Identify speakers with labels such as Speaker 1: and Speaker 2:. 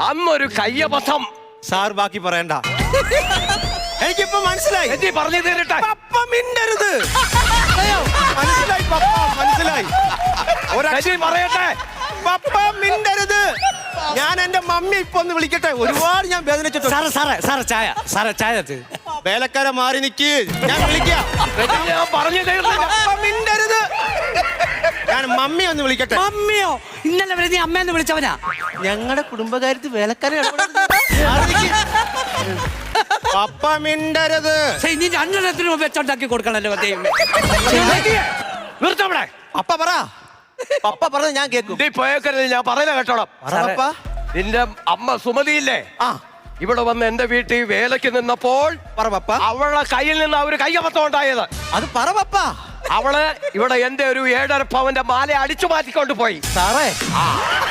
Speaker 1: അന്നൊരു കയ്യബദ്ധം.
Speaker 2: സാർ ബാക്കി പറയണ്ട. എനിക്കിപ്പോ മനസ്സിലായി.
Speaker 1: എന്തി പറഞ്ഞു തരട്ടെ.
Speaker 2: പപ്പ മിണ്ടരുത്. മനസ്സിലായി പപ്പ, മനസ്സിലായി.
Speaker 1: പറയട്ടെ.
Speaker 2: പപ്പ മിണ്ടരുത്. ഞാൻ എന്റെ മമ്മി ഇപ്പൊ ഒന്ന് വിളിക്കട്ടെ. ഒരുപാട് ഞാൻ വേദനിച്ചിട്ടുണ്ട്.
Speaker 3: സാറേ ചായ
Speaker 2: വേലക്കാരെ മാറി നിക്ക്, ഞാൻ വിളിക്കാം.
Speaker 1: ഞാൻ പറഞ്ഞു
Speaker 2: പപ്പ മിണ്ടരുത്. ഞാൻ മമ്മി ഒന്ന് വിളിക്കട്ടെ.
Speaker 3: മമ്മിയോ? ഇന്നലെ വരെ നീ അമ്മയെന്ന് വിളിച്ചവനാ.
Speaker 2: ഞങ്ങളുടെ കുടുംബകാര്യത്തിൽ വേലക്കാരെ പപ്പ മിണ്ടരുത്.
Speaker 3: നീ രണ്ടെണ്ണത്തിനും വെച്ചുണ്ടാക്കി കൊടുക്കണല്ലോ.
Speaker 1: നിർത്തവിടെ.
Speaker 2: പപ്പ പറ. പപ്പ പറഞ്ഞത് ഞാൻ കേൾക്കും.
Speaker 1: നീ പോയേക്കരുത്, ഞാൻ പറയുന്ന കേട്ടോളാം.
Speaker 2: പപ്പ.
Speaker 1: നിന്റെ അമ്മ സുമതിയില്ലേ, ഇവിടെ വന്ന് എന്റെ വീട്ടിൽ വേലയ്ക്ക് നിന്നപ്പോൾ
Speaker 2: പറ പപ്പ.
Speaker 1: അവളുടെ കയ്യിൽ നിന്ന് ഒരു കയ്യബദ്ധം ഉണ്ടായത്.
Speaker 2: അത് പറ പപ്പ.
Speaker 1: അവള് ഇവിടെ എന്റെ ഒരു 7.5 പവന്റെ മാല അടിച്ചു മാറ്റിക്കൊണ്ട് പോയി.
Speaker 2: സാറേ,